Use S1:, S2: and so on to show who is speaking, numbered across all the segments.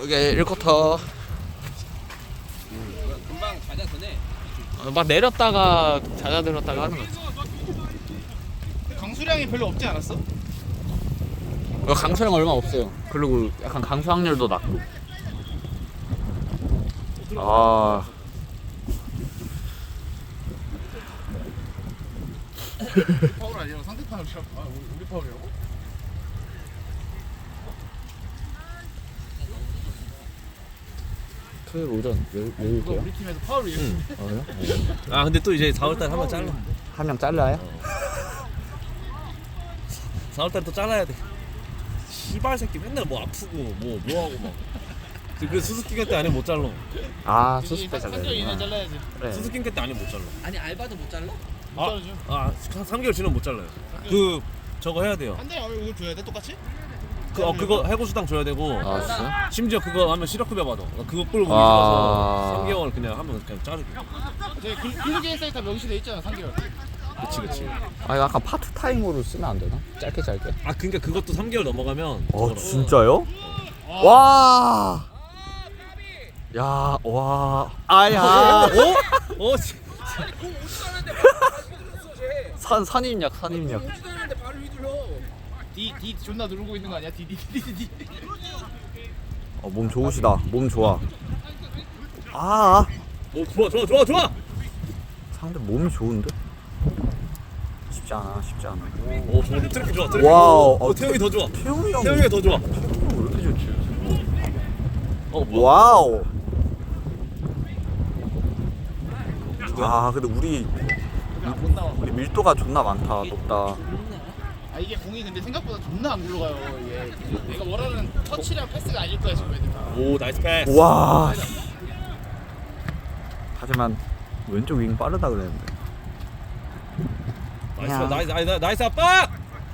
S1: 여기 1쿼터.
S2: 금방 잦아드네.
S1: 막 내렸다가 잦아들었다가 하는 거지.
S3: 강수량이 별로 없지 않았어?
S1: 강수량 얼마 없어요. 그리고 약간 강수 확률도 낮고. 아.
S3: 파울 아니라 상대 파울이라고? 아 우리 파울이라고?
S1: 토요일 오전
S3: 이거 우리 팀에서 파울이
S2: 아 근데 또 이제 4월달 한번 잘라.
S1: 한 명 잘라요?
S2: 4월달 또 잘라야 돼. 시발 새끼 맨날 뭐 아프고 뭐 하고 막. 그 수수께끼 때 안에 못 잘라.
S1: 아 수습 때
S3: 상대 이내
S1: 잘라야
S3: 잘라야지.
S1: 그래.
S2: 수수께끼 때 안에 못 잘라.
S4: 아니 알바도 못 잘라?
S3: 못 자르죠.
S2: 한 3개월 지나면 못 잘라요. 그 저거 해야 돼요.
S3: 한대 이거 줘야 돼 똑같이?
S2: 그거 해고수당 줘야 되고.
S1: 아 진짜?
S2: 심지어 그거 하면 실업급여 받아. 그거 끌고
S1: 아.
S2: 있어서 3개월 그냥 하면 그냥 자르게.
S3: 저희 근로계획 사이트 명시돼 있잖아 3개월.
S2: 그치.
S1: 아 이거 약간 파트타임으로 쓰면 안 되나? 짧게.
S2: 아 그러니까 그것도 3개월 넘어가면.
S1: 어 진짜요? 와. 야, 와. 아야.
S2: 어?
S1: 선임력.
S4: 오지도 바로 휘둘러.
S3: D 존나 누르고 있는 거 아니야? D.
S1: 몸 좋으시다. 몸 좋아. 아.
S2: 오 좋아.
S1: 상대 몸이 좋은데? 쉽지 않아.
S2: 오 좋은데 트래픽 좋아.
S1: 와우.
S2: 태용이 더 좋아.
S1: 태용이 형.
S2: 태용이가 더 좋아.
S1: 왜 이렇게 좋지?
S2: 뭐야?
S1: 와우. 아, 근데 우리
S3: 못 나와.
S1: 밀도가 존나 많다. 높다.
S3: 아 이게 공이 근데 생각보다 존나 안 굴러가요. 이게 내가 원하는 터치랑 패스가 아닐 거야 지금 애들 다.
S2: 오 나이스 패스.
S1: 와. 하지만 왼쪽 윙 빠르다 그랬는데.
S2: 나이스 아빠.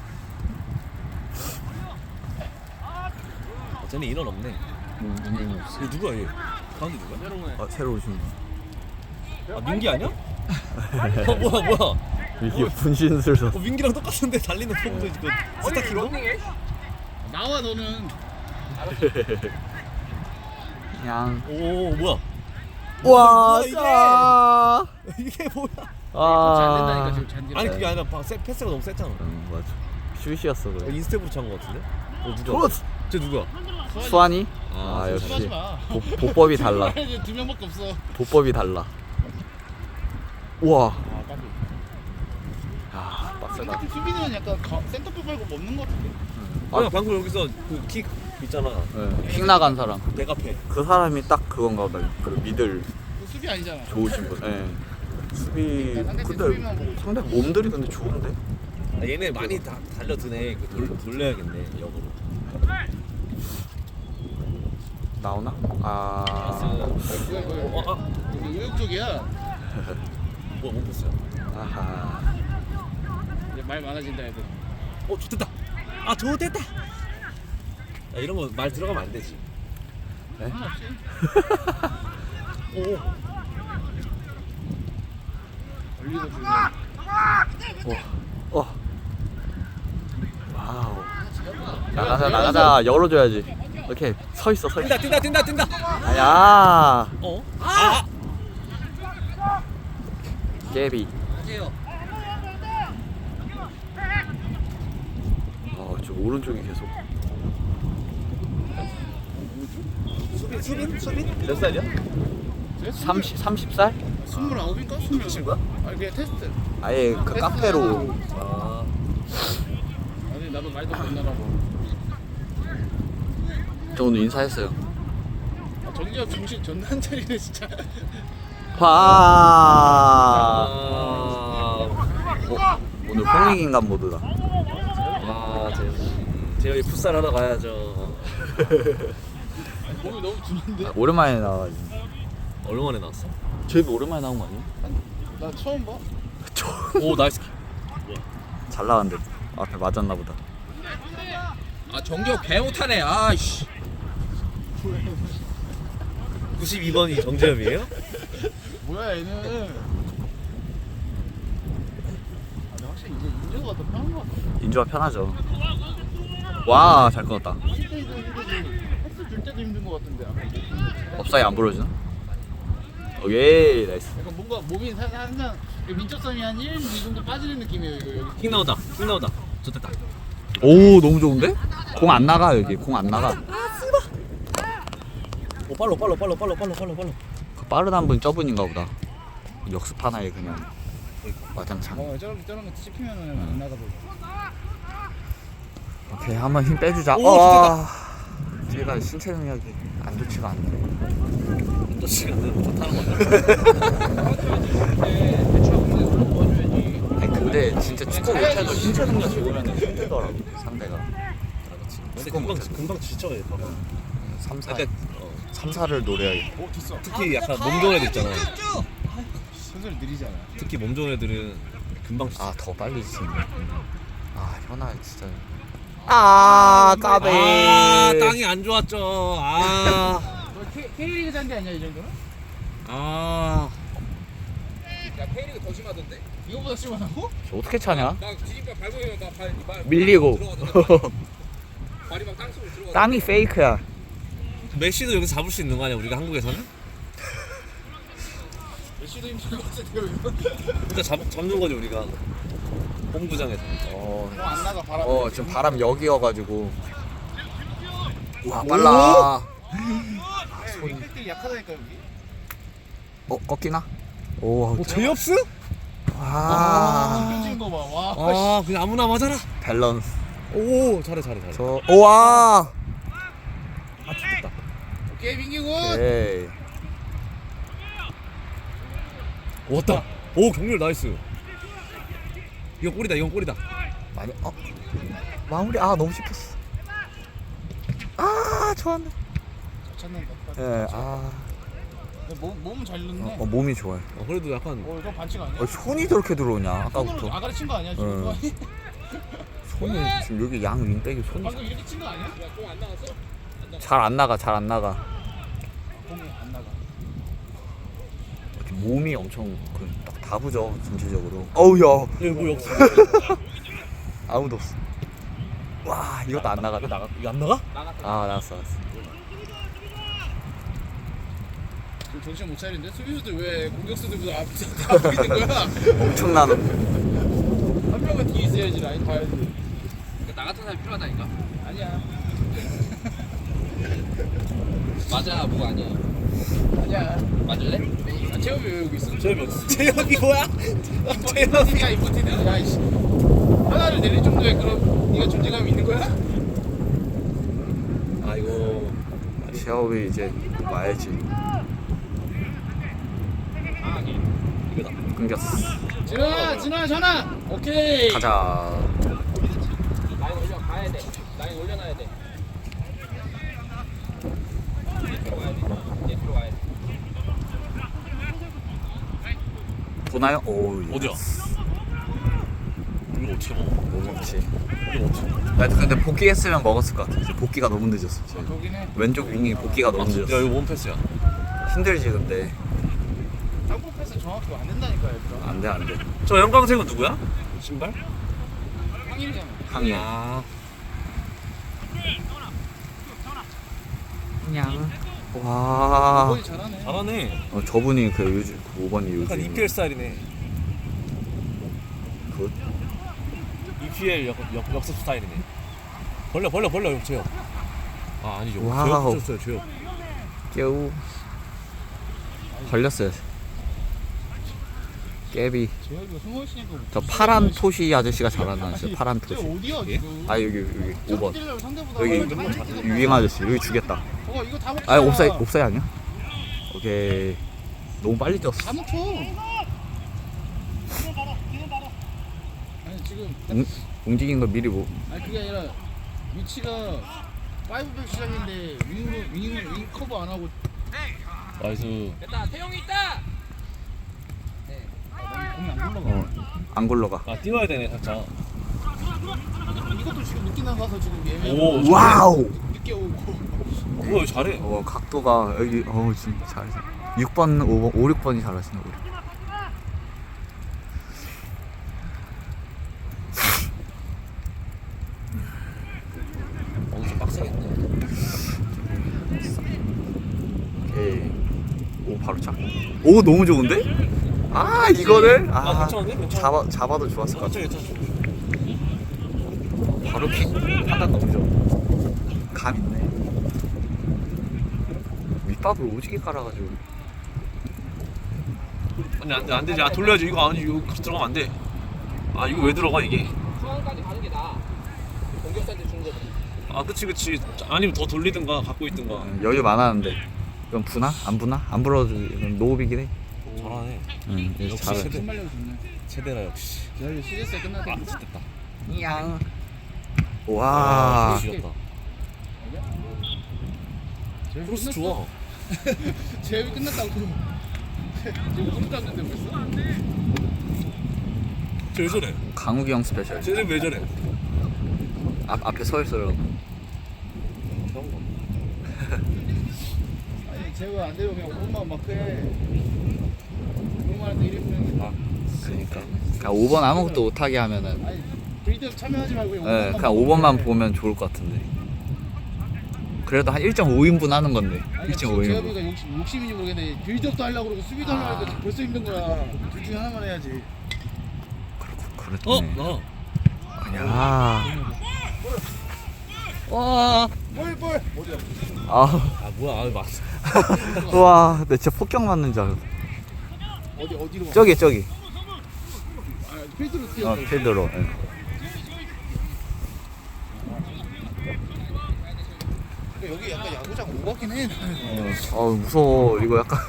S2: 쟤네 인원 없네.
S1: 없어.
S2: 이거 누구야 얘? 가운데 누구야?
S1: 아, 새로 오신 분.
S2: 아 민기 아니야? 뭐야?
S1: 이게 분신술
S2: 민기랑 똑같은데 달리는 폼도 그 스타킹도?
S3: 나와 너는.
S1: 그냥.
S2: 오 뭐야?
S1: 와,
S2: 뭐야, 이게 뭐야?
S3: 안 된다니까
S1: 아.
S3: 지금 잔디.
S2: 아니 그게 아니라 패스가 너무 셌잖아.
S1: 맞아. 슛이었어 그래.
S2: 인스텝으로 찬 거 같은데? 누구야?
S1: 좋았어.
S2: 쟤 누구야?
S1: 수환이?
S2: 아,
S1: 아, 역시
S3: 하지 마.
S1: 보법이 달라.
S3: 이제 두 명밖에 없어.
S1: 보법이 달라. 우와.
S3: 아 깜짝.
S1: 아, 빡세다.
S3: 상대팀 수비는 약간 센터백 말고 뭐 없는 거 같은데.
S2: 아 방금 여기서 그 킥 있잖아.
S1: 네, 킥 나간 사람.
S2: 내가 패.
S1: 그 사람이 딱 그건가 보다. 그 미들
S3: 그 수비 아니잖아.
S1: 좋으신 분. 예. 수비.
S3: 상대
S1: 근데
S3: 수비만 보고.
S1: 상대 몸들이 근데 좋은데?
S2: 아, 얘네 많이 다 달려드네. 그 돌려야겠네 역으로.
S1: 나오나? 아.
S2: 아.
S3: 이거 의욕적이야.
S2: 뭐야 못 봤어요.
S1: 아하.
S3: 이제 말 많아진다 애들.
S2: 좋됐다. 좋됐다. 야, 이런 거 말 들어가면 안 되지.
S1: 네?
S2: 오.
S3: 올리고 주면.
S1: 와우. 나가자. 열어줘야지. 이렇게 서 있어.
S2: 뛴다.
S1: 야. 깨비.
S4: 맞아요.
S1: 저 오른쪽이 계속.
S2: 수빈? 몇 살이야?
S1: 30살?
S3: 29인가? 27인가? 아니 그냥 테스트.
S1: 아예 그 카페로.
S2: 아.
S3: 아니 나도 말도 못 나라고.
S1: 저 오늘 인사했어요.
S3: 아, 정기업 정신 존나 한 차리네 진짜.
S1: 와.
S2: 아.
S1: 오늘 홍익인간 모드다.
S2: 제가 풋살 하러 가야죠.
S3: 몸이 너무 주는데?
S1: 오랜만에 나와.
S2: 얼마 만에 나왔어?
S1: 제일 오랜만에 나온 거 아니야?
S3: 나 처음 봐.
S2: 오 나이스.
S1: 잘 나왔는데 앞에 맞았나 보다.
S4: 아 정기혁 개 못하네. 아이씨.
S2: 92번이 정재엽이에요?
S3: 뭐야 얘는. 근데 확실히 이제 인조가 더 편한 것 같아.
S1: 인조가 편하죠. 와, 잘 끊었다.
S3: 패스 줄 때도 힘든 것 같은데. 아까 이게
S5: 업사이 안 부러지나? 오케이 나이스.
S3: 약간 뭔가 몸이 항상 민첩성이 한 1, 2 정도 빠지는 느낌이에요. 이거 여기.
S2: 킥 나오다. 킥 나오다. 좋됐다.
S5: 오 너무 좋은데? 공 안 나가 여기 공 안 나가.
S2: 오 빨로.
S5: 그 빠르단 분 저분인가 보다. 역습 하나에 그냥 와장창.
S3: 저런 거 씹히면은 안 나가도.
S5: 오케이 한번 힘 빼주자.
S2: 오,
S5: 제가 신체 능력이 안 좋지가 않네.
S2: 또 시간은 좋다는 거야.
S5: 아니 근데 진짜 축구 못해도 신체 능력 좋으면 힘들더라고 상대가.
S2: 근데 금방 지쳐요.
S5: 3, 4,
S2: 약간
S5: 3, 4를 노려야겠다.
S3: 오 됐어.
S2: 특히 약간 몸 좋은 애들 있잖아.
S3: 순서를 느리잖아.
S2: 특히 몸 좋은 애들은 금방 지쳐.
S5: 아 더 빨리 지치네. 아 현아 진짜. 아 까베.
S2: 아 땅이 안 좋았죠.
S3: K리그 잔디 아니야 이 정도는?
S2: 아
S4: 야 K리그 더 심하던데?
S3: 이거보다 심하다고?
S5: 어떻게 차냐?
S4: 나 뒤집어 밟으면 막
S5: 밀리고.
S4: 발이 막 땅속으로 들어가.
S5: 땅이 페이크야.
S2: 메시도 여기서 잡을 수 있는 거 아니야 우리가 한국에서는?
S3: 메시도 힘들 것 같은데요 이거?
S2: 그러니까 잡는 거지 우리가 홈구장에서.
S3: 안 나가 바람.
S5: 지금 바람 여기여가지고. 와 빨라.
S3: 윙백들이 약하다니까 여기.
S5: 꺾이나? 오.
S2: 제이홉스?
S5: 와.
S3: 던진 거 봐. 와.
S2: 그냥 아무나 맞아라.
S5: 밸런스.
S2: 오 잘해.
S5: 저. 우와.
S2: 아 죽겠다.
S3: 오케이 민기 군.
S5: 에이.
S2: 왔다. 오 경률 나이스. 이건 골이다.
S5: 많이 마무리 너무 씹혔어. 좋았네.
S3: 찾는다.
S5: 예.
S3: 몸은 잘 넣네.
S5: 몸이 좋아요.
S2: 그래도 약간
S3: 이거 반칙 아니야?
S5: 손이 저렇게 들어오냐 아까부터.
S3: 손으로 아가리 친 거 아니야 지금?
S5: 손이 지금 여기 양 윙백이 손이
S3: 방금 이렇게 친 거 아니야?
S4: 공안 나왔어?
S5: 잘 안 나가.
S3: 공이 안 나가.
S5: 이렇게 몸이 엄청 딱 다부져 전체적으로. 어우야.
S2: 여기 뭐 없어.
S5: 아무도 없어. 와 이것도 안 나가.
S2: 이거 안 나가?
S5: 나갔어.
S3: 지금 정신 못 차리는데 수비수들 왜 공격수들보다 앞에 있는 거야?
S5: 엄청난.
S3: 한 명은 뒤에 있어야지 라인 봐야지.
S4: 나 같은 사람이 필요하다니까.
S3: 아니야.
S4: 맞아 뭐가 아니야.
S3: 아니야.
S4: 맞을래?
S3: 재엽이 왜 여기 있어?
S2: 제이홉이 뭐야?
S3: 임포티드야 임포티드. 야 이씨. 하나를 내릴 정도의 그런 네가 존재감이 있는 거야?
S2: 아이고.
S5: 시아오비 이제 와야지.
S2: 이거다.
S5: 끊겼어.
S3: 진아 전화. 오케이.
S5: 가자.
S4: 라인 올려 가야 돼. 라인 올려놔야 돼. 이제 들어가야 돼.
S5: 보나요? 오.
S2: 어디야? 이거 어떻게 먹어?
S5: 못 먹지.
S2: 이거 어떻게 먹어?
S5: 나 근데 복귀했으면 먹었을 것 같아. 이제 복귀가 너무 늦었어.
S3: 거긴 해.
S5: 왼쪽 윙이 복귀가 너무
S2: 야
S5: 늦었어.
S2: 이거 원패스야.
S5: 힘들지 근데.
S3: 땅콩 패스 정확히 안 된다니까 얘들아.
S5: 안 돼.
S2: 저 형광색은 누구야? 신발?
S3: 황일이잖아.
S5: 항이야.
S2: 아.
S5: 그냥. 와.
S3: 거의 잘하네.
S2: 잘하네.
S5: 저분이 그 요즘 5번이
S2: 약간
S5: 요즘.
S2: EPL 스타일이네.
S5: 굿.
S2: EPL 역습 스타일이네. 벌려 제요. 아니죠.
S5: 와우.
S2: 제요.
S5: 깨우. 걸렸어요. 깨비.
S3: 재엽이가 숨어 있으니까.
S5: 저 파란 토시 아저씨가 잘한다. 진짜 파란
S3: 쟤
S5: 토시.
S3: 어디야
S2: 예?
S3: 지금?
S5: 여기 5번.
S3: 찌르려고 상대보다
S5: 여기
S3: 얼마나 잘해.
S5: 유행 아저씨 여기 주겠다.
S3: 이거 다 먹자.
S5: 옵사이 아니야? 오케이. 너무 빨리 뛰었어.
S3: 다 먹혀. 아니 지금
S5: 움직인 거 미리
S3: 아니 그게 아니라 위치가 5백 시작인데 윙 커버 안 하고
S2: 나이스.
S4: 됐다. 태용이 있다.
S3: 공이 안 올라가.
S5: 안 굴러가.
S2: 뛰어야 되네 살짝.
S3: 이것도 지금 늦게 나가서 지금 예매.
S2: 오.
S5: 와우.
S3: 늦게 오고.
S2: 뭐야 잘해.
S5: 각도가 여기 지금 잘해서 6번, 5번, 5, 6번이 잘하시네 우리.
S2: 좀 빡세겠네.
S5: 바로 차. 오 너무 좋은데? 아 이거를
S2: 괜찮은데? 괜찮아.
S5: 잡아도 좋았을 것 같아.
S2: 괜찮아.
S5: 바로 킥 판단 너무 좋아. 감 있네. 밑밥을 오지게 깔아가지고.
S2: 아니 안 되지. 아 돌려야지. 이거 아니 이거 들어가면 안 돼. 아 이거 왜 들어가 이게?
S4: 상황까지 가는 게 나아. 공격수한테 주는 거보다.
S2: 아 그치. 아니면 더 돌리든가 갖고 있든가.
S5: 여유 많았는데. 이건 부나? 안 부나? 안 불어도 이건 노업이긴 해.
S2: 잘하네.
S5: 응,
S2: 역시
S5: 잘해.
S2: 세대.
S3: 손말려도 좋네.
S2: 세대라 역시.
S3: 여기 시리즈 끝났다.
S2: 됐다.
S5: 양. 와.
S2: 죽였다. 크로스 좋아.
S3: 제압이 끝났다고. 지금 못 잡는데 벌써?
S2: 쟤왜 저래?
S5: 강욱이 형 스페셜.
S2: 쟤네 왜 저래?
S5: 앞에 서 있어요.
S3: 아니 제가 안 되면 그냥 5번만 막 해. 5번만 해 1인분.
S5: 그러니까 5번 아무것도 못하게 하면은
S3: 아니 빌드업 참여하지 말고 그냥
S5: 네,
S3: 5번만
S5: 그냥 5번만 보면 좋을 것 같은데. 그래도 한 1.5인분 하는 건데. 1.5인분.
S3: 제협이가 욕심인지 모르겠는데 빌드업도 하려고 그러고 수비도 하려고 하니까 벌써 힘든 거야. 둘 중에 하나만 해야지.
S5: 그렇네.
S2: 나.
S5: 야. 와.
S3: 볼.
S5: 아.
S2: 뭐야? 아 맞.
S5: 와, 내 진짜 폭격 맞는 줄 알았어.
S3: 어디로 가?
S5: 저기.
S3: 아, 필드로 뛰어.
S5: 필드로. 예.
S3: 여기 약간 야구장 오버긴 해.
S5: 무서워. 이거 약간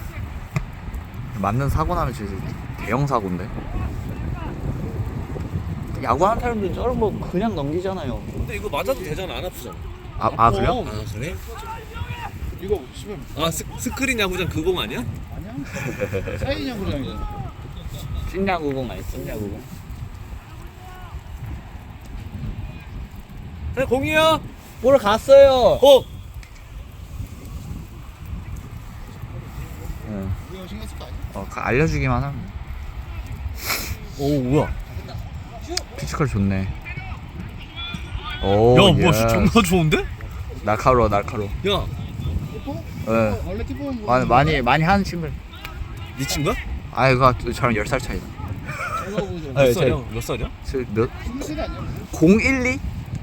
S5: 맞는 사고 나면 진짜 대형 사고인데. 야구하는 사람들은 저런 거 그냥 넘기잖아요.
S2: 근데 이거 맞아도 되잖아. 안 아프잖아.
S5: 아 그래요?
S2: 아 그래?
S3: 이거 씨발
S2: 아 스크린 야구장 그 공 아니야?
S3: 아니야? 사인 야구장이잖아.
S5: 찐야구공 아니 찐야구공.
S2: 네 공이야.
S5: 보러 갔어요. 응.
S3: 우리 신경 쓸 거 아니야?
S5: 알려주기만 하면. 오 뭐야? 피지컬 좋네. 오.
S2: 야 뭐야
S5: 예스.
S2: 존나 좋은데?
S5: 날카로워.
S2: 야
S3: 키퍼?
S5: 예.
S3: 원래 키퍼는 뭐
S5: 많이 하는 친구.
S2: 네 친구야?
S5: 아 이거 저랑 10살 차이다.
S3: 제가 보죠.
S5: 네,
S2: 몇 살이야? 몇 살이야?
S5: 몇?
S3: 20세 아니야?
S5: 012?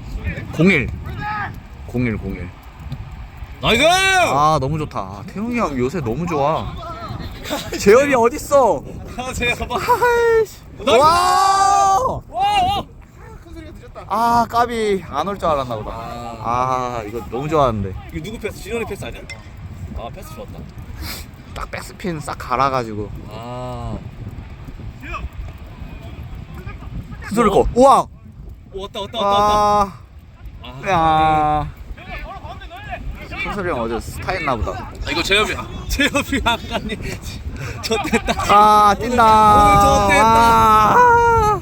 S5: 01.
S2: 나이스!
S5: 아 너무 좋다. 아, 태용이 형 요새 너무 좋아. 재현이 어딨어?
S2: 아 제가
S5: 아이씨. 와!
S3: 큰 소리가 늦었다.
S5: 아 까비 안 올 줄 알았나 보다. 아 이거 너무 좋아하는데.
S2: 이거 누구 패스? 진원이 패스 아니야? 아 패스 좋았다.
S5: 딱 백스핀 싹 갈아가지고.
S2: 아.
S5: 푸들 거. 우와.
S2: 오 왔다.
S5: 아.
S2: 아.
S5: 야. 푸들이 형 어제 스타 했나 보다.
S2: 아, 이거 제협이야. 제협이 아까니. 졌댔다.
S5: 아 뛴다.
S2: 오늘 좋댔다.
S5: 아.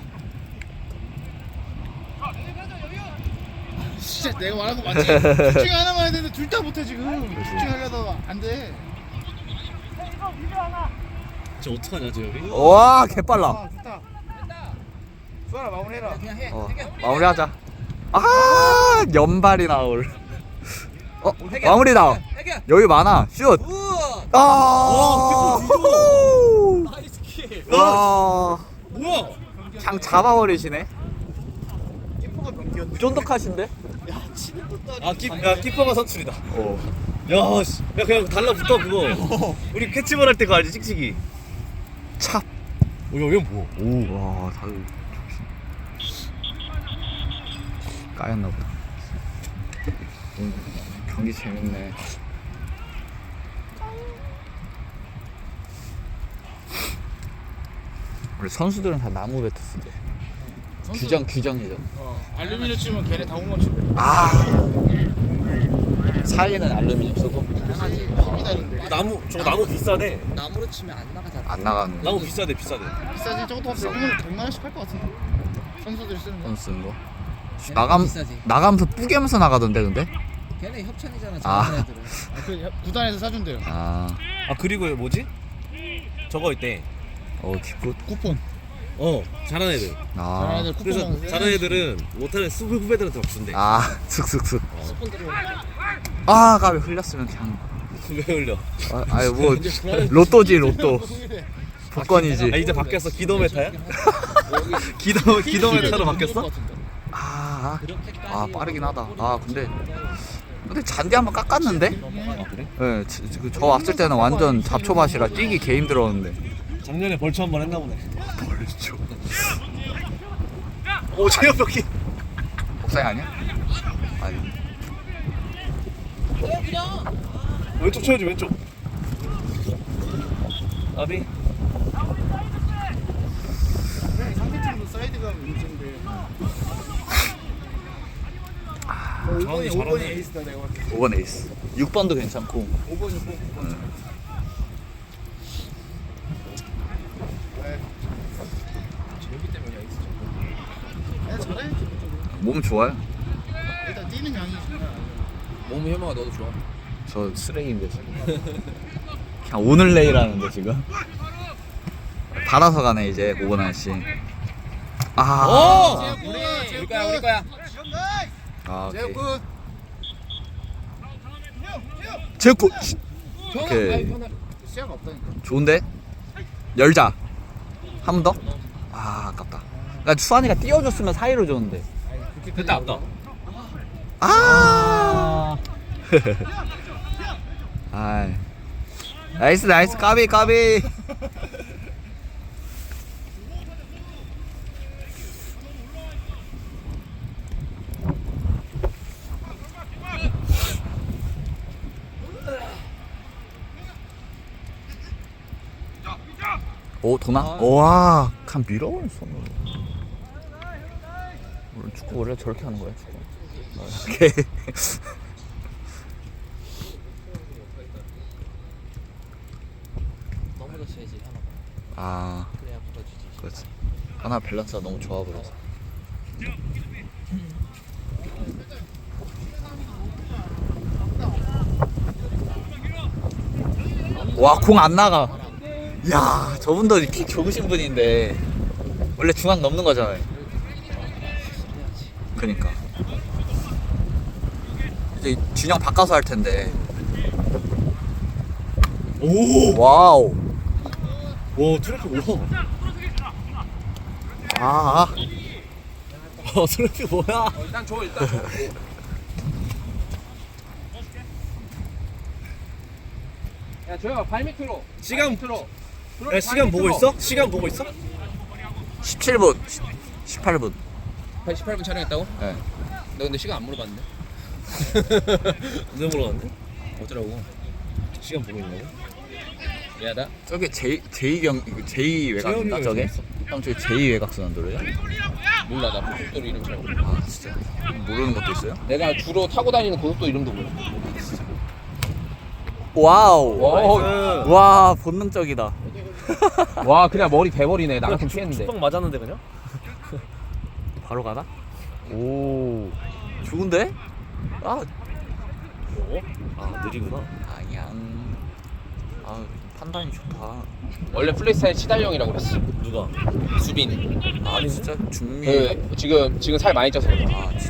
S3: 진짜 내가 말한 거 맞지? 둘 중에 하나만 해야 되는데 둘 다 못해 지금. 둘 중에 하려다가 안 돼.
S2: 저 어떡하냐 제협이?
S5: 와 개빨라.
S3: 아 좋다. 수아라 마무리해라. 그냥 해.
S5: 마무리하자. 아 연발이 나올. 마무리다. 여기 많아. 슛. 아.
S2: 와,
S4: 나이스 킬.
S5: 와.
S2: 뭐야?
S5: 장 잡아버리시네.
S3: 키퍼가 변기였네.
S5: 쫀득하신데?
S2: 야 키퍼가 선출이다.
S5: 어.
S2: 야 씨. 야 그냥 달라붙어 그거. 우리 캐치볼 할 때 그거 알지 찍찍이.
S5: 찹.
S2: 오야 뭐?
S5: 오. 와 다들 까였나 보다. 경기 재밌네. 우리 선수들은 다 나무 배트 쓰대. 규정이죠.
S3: 알루미늄 치면 걔네 다 홈런 치고.
S5: 아. 사이에는 알루미늄 쓰고
S3: 힘이 다른데.
S2: 저거 나무 비싸네.
S4: 나무로 치면 안 나가잖아.
S5: 안 나가는
S2: 나무 비싸대.
S3: 비싸지? 저것도 한 100만 원씩 할 것 같은데. 선수들이 쓰는 거.
S5: 선 쓰는 거.
S4: 걔네가 비싸지.
S5: 나가면서 뿌개면서 나가던데 근데?
S4: 걔네 협찬이잖아.
S5: 아.
S4: 저런 애들은.
S3: 그 구단에서 사준대요.
S5: 아.
S2: 아 그리고 뭐지? 저거 있대.
S5: 기쁘.
S3: 쿠폰.
S2: 잘하는 애들.
S5: 아.
S3: 잘하는 애들 쿠폰
S2: 그래서
S3: 먹는
S2: 잘하는 애들은 못하는 후배들한테 막 준대.
S5: 아, 슥슥슥.
S4: 스폰 들어.
S5: 아, 가비 흘렸으면 그냥
S2: 왜 흘려?
S5: 아니 뭐 로또지 로또. 복권이지.
S2: 아 이제 바뀌었어. 기도 메타야? 기도 메타로 바뀌었어?
S5: 아 빠르긴 하다. 아 근데 잔디 한번 깎았는데?
S2: 아 그래?
S5: 네, 저 왔을 때는 완전 잡초밭이라 뛰기 개 힘들었는데.
S2: 작년에 벌초 한 번 했나 보네.
S5: 벌초.
S2: 오 체력벽이.
S5: 복사이 아니야? 아니.
S2: 왼쪽 쳐야지 왼쪽. 아비.
S3: 상대팀도 사이드가 문제인데.
S2: 정확히 잘하네.
S3: 에이스다 내가 봤을 때.
S5: 5번 에이스. 6번도 괜찮고.
S3: 5번이 꼭. 재욱이 때문에 에이스 좀. 잘해.
S5: 몸 좋아요.
S3: 일단 뛰는 양이 장난 아니야.
S4: 몸 혐오가 너도 좋아.
S5: 저 쓰레기인데 지금. 그냥 오늘 내일하는데 지금. 달아서 가네 이제 5번 아저씨. 아.
S4: 우리 거야.
S5: 아 오케이.
S3: 재욱군.
S5: 제코.
S4: 편하.
S5: 오케이.
S4: 아이, 편하.
S3: 시야가 없다니까.
S5: 좋은데? 열자. 한 번 더? 아 아깝다. 그러니까 수환이가 띄워줬으면 사이로 줬는데.
S2: 됐다 아까.
S5: 아. 아이. 나이스 까비. 오 도나? 와, 간 밀어버린 손으로. 원래 축구 원래 저렇게 하는 거야 축구. 오케이.
S1: 넘어졌어야지 하나.
S5: 아,
S1: 그래야 붙어주지.
S5: 그렇지. 하나 밸런스가 너무 좋아 보여서. 와, 공 안 나가. 야, 저분도 킥 좋으신 분인데 원래 중앙 넘는 거잖아요. 그러니까 이제 균형 바꿔서 할 텐데.
S2: 오.
S5: 와우.
S2: 오 트래픽 뭐야?
S5: 아,
S2: 트래픽 뭐야?
S4: 일단 줘. 야 조용아 발 밑으로.
S2: 시간-
S4: 밑으로.
S2: 야 시간 보고 있어? 시간 보고 있어?
S5: 17분, 18분.
S4: 18분 촬영했다고?
S5: 네.
S4: 너 근데 시간 안 물어봤는데?
S2: 언제 물어봤는데?
S4: 어쩌라고?
S2: 시간 보고 있냐고?
S4: 미안하다.
S5: 저게 제2 외곽인가
S2: 재현이가
S5: 저게?
S2: 있었어.
S5: 형 저기 제2 외곽선 노래야?
S4: 몰라 나 고속도로 이름 잘 몰라.
S5: 아 진짜 모르는 것도 있어요?
S4: 내가 주로 타고 다니는 고속도로 이름도 몰라.
S5: 와우.
S2: 나이스.
S5: 와 본능적이다.
S4: 와 그냥 머리 대버리네. 나한테 피했는데.
S2: 축방 맞았는데 그냥?
S5: 바로 가나? 오 좋은데? 아
S2: 어? 아 느리구나.
S5: 아니야. 아 판단이 좋다.
S4: 원래 플레이스타일 치달령이라고 그랬어.
S2: 누가?
S4: 수빈이.
S5: 아니 진짜 중미.
S4: 그 지금 살 많이 쪄서 그래.
S5: 아 진짜.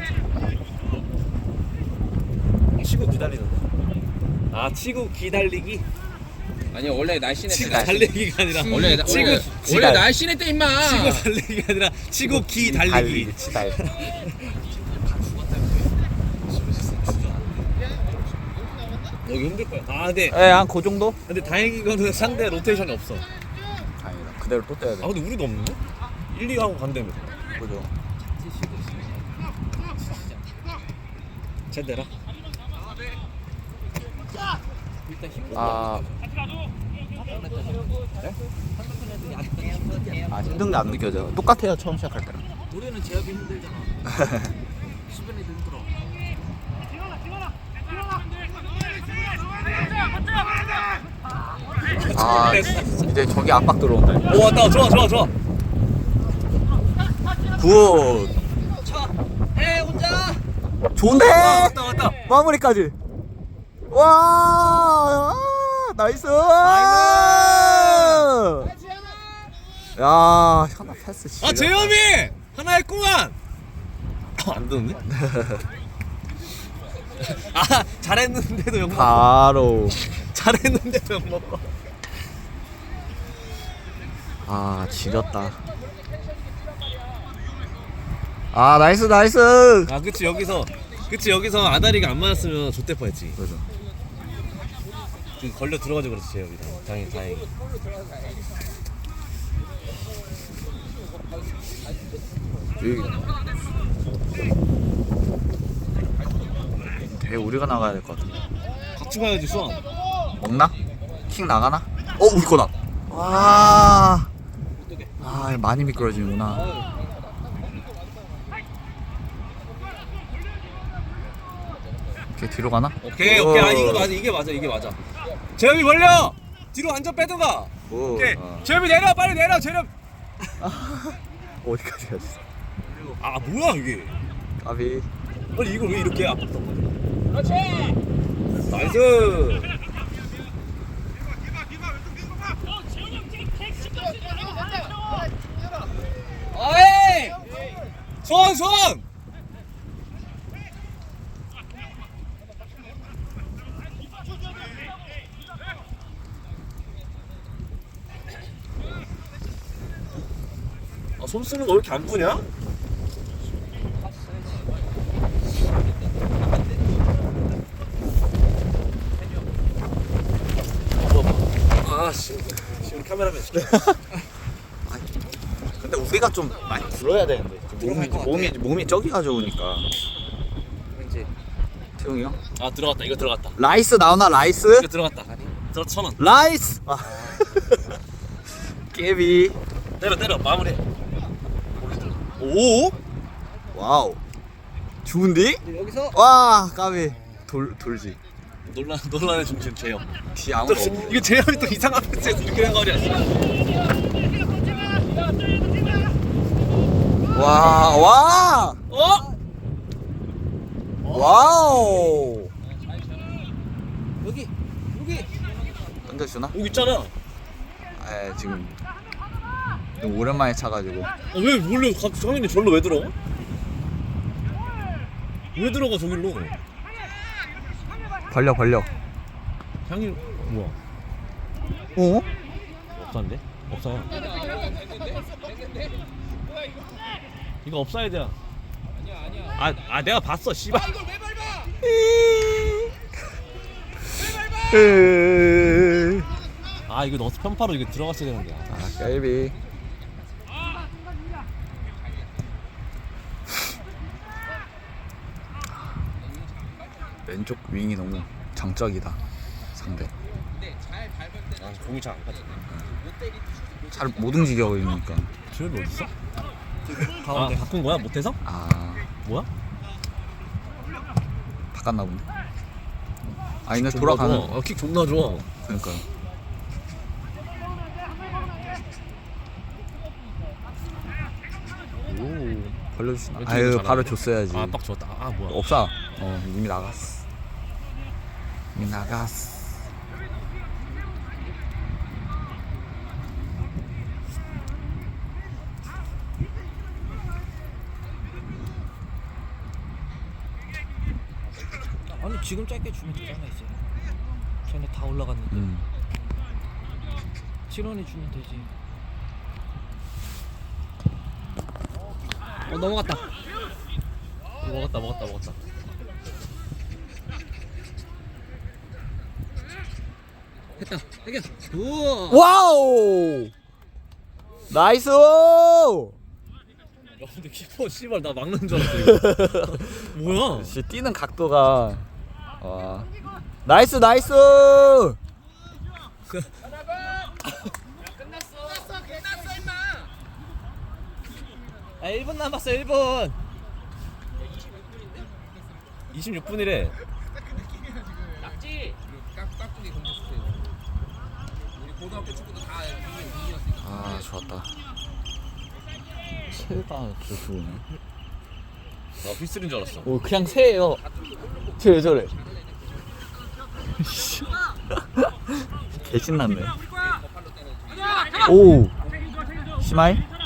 S2: 치고 기다리는데. 아 치고 기다리기?
S4: 아니 원래 날씬해
S2: 치고
S4: 때
S2: 달리기가 아니라
S4: 원래
S2: 지달.
S4: 날씬해 때 임마.
S2: 치고 달리기가 아니라 치고 기달리기.
S5: 치달.
S2: 여기 힘들 거야. 아 근데
S5: 예한그 정도?
S2: 다행인 거는 상대 로테이션이 없어.
S5: 아니다 그대로 또 떼야 돼.
S2: 아 근데 우리도 없는데? 1, 2 하고 간다며.
S5: 그죠.
S2: 쟤대라.
S5: 아. 아 힘든 게 안 느껴져. 똑같아요 처음 시작할 때랑.
S1: 우리는 제압이 힘들잖아. 수변이 힘들어.
S5: 아 이제 저기 압박 들어온다.
S2: 오 왔다. 좋아.
S5: 굿.
S1: 에 혼자.
S5: 좋은데.
S2: 왔다.
S5: 마무리까지. 와 나이스. 야 현아 패스 진짜.
S2: 아 재현이 하나 했구만. 안 되는데? 아 잘했는데도 욕 먹어.
S5: 바로.
S2: 잘했는데도 욕 먹어.
S5: 아 지렸다. 아 나이스 나이스.
S2: 아 그치 여기서 아다리가 안 맞았으면 좆대 뻔했지.
S5: 그래서
S2: 그 걸려 들어가지고 그렇지 재혁이. 다행히.
S5: 되게 우리가 나가야 될 것 같은데.
S2: 같이 가야지 수원.
S5: 먹나? 킥 나가나? 우리 거다. 와. 아 많이 미끄러지는구나. 오케이 뒤로 가나?
S2: 오케이. 아 이게 맞아. 재혁이 벌려. 뒤로 완전 빼든가.
S5: 오.
S2: 오케이. 재혁이 내려 빨리 내려 재혁.
S5: 어디까지 갔어?
S2: 아 뭐야 이게.
S5: 까비.
S2: 아니 이걸 왜 이렇게 아팠단 말이야. 그렇지. 나이스. 어이! 손! 아, 손 쓰는 거 왜 이렇게 안 푸냐? 지금 카메라맨 시켜.
S5: 근데 우리가 좀 많이 불어야 되는데 몸이 저기 가져오니까.
S2: 왠지.
S5: 태용이 형?
S2: 아 들어갔다. 이거 들어갔다.
S5: 라이스 나오나 라이스?
S2: 이거 들어갔다. 들어 1,000원.
S5: 라이스. 깨비.
S2: 때려 마무리. 오?
S5: 와우. 좋은데?
S2: 여기서
S5: 와 까비. 돌지.
S2: 논란의 중심 재영.
S5: 뒤 아무도 없어.
S2: 이거 재영이 또 이상한 패스에서 이렇게 된 거 아니야?
S5: 와.
S2: 어?
S5: 와우.
S2: 여기.
S5: 던져주나?
S2: 여기 있잖아.
S5: 지금 너무 오랜만에 차가지고.
S2: 왜 원래 장현이 절로 왜 들어가? 왜 들어가 저길로?
S5: 벌려.
S2: 장현 뭐야?
S5: 어?
S2: 없사인데? 없사야. 이거 업사이드야. 아니야. 내가 봤어, 씨발. 이걸 왜 밟아? 이거 너스 편파로 이거 들어갔어야 되는데.
S5: 깨비. 왼쪽 윙이 너무 장적이다. 상대.
S2: 공이 잘 안 가지.
S5: 잘 못 움직여 보이니까.
S2: 주엽이 어딨어? 가운데 바꾼 거야? 못해서? 뭐야?
S5: 바꿨나 보네. 근데 돌아가는.
S2: 킥 존나 좋아.
S5: 그러니까.
S2: 오.
S5: 벌려주시나?
S2: 왼쪽으로
S5: 아유
S2: 잘하네.
S5: 바로 줬어야지.
S2: 빡 좋았다. 뭐야?
S5: 없어. 이미 나갔어.
S6: 아니 지금 짧게 주면 되잖아 이제. 쟤네 다 올라갔는데. 7원에 주면 되지.
S2: 넘어갔다. 먹었다.
S6: 됐다. 해결. 우와.
S5: 와우. 나이스.
S2: 야 근데 키퍼 씨발 나 막는 줄 알았어 이거. 뭐야?
S5: 씨 뛰는 각도가. 와. 나이스.
S6: 아 1분 남았어 1분.
S2: 26분이래.
S5: 좋았다. 새가 좋네.
S2: 나 휘슬인 줄 알았어.
S5: 그냥 새예요. 저래. 개 신났네. 오. 시마이?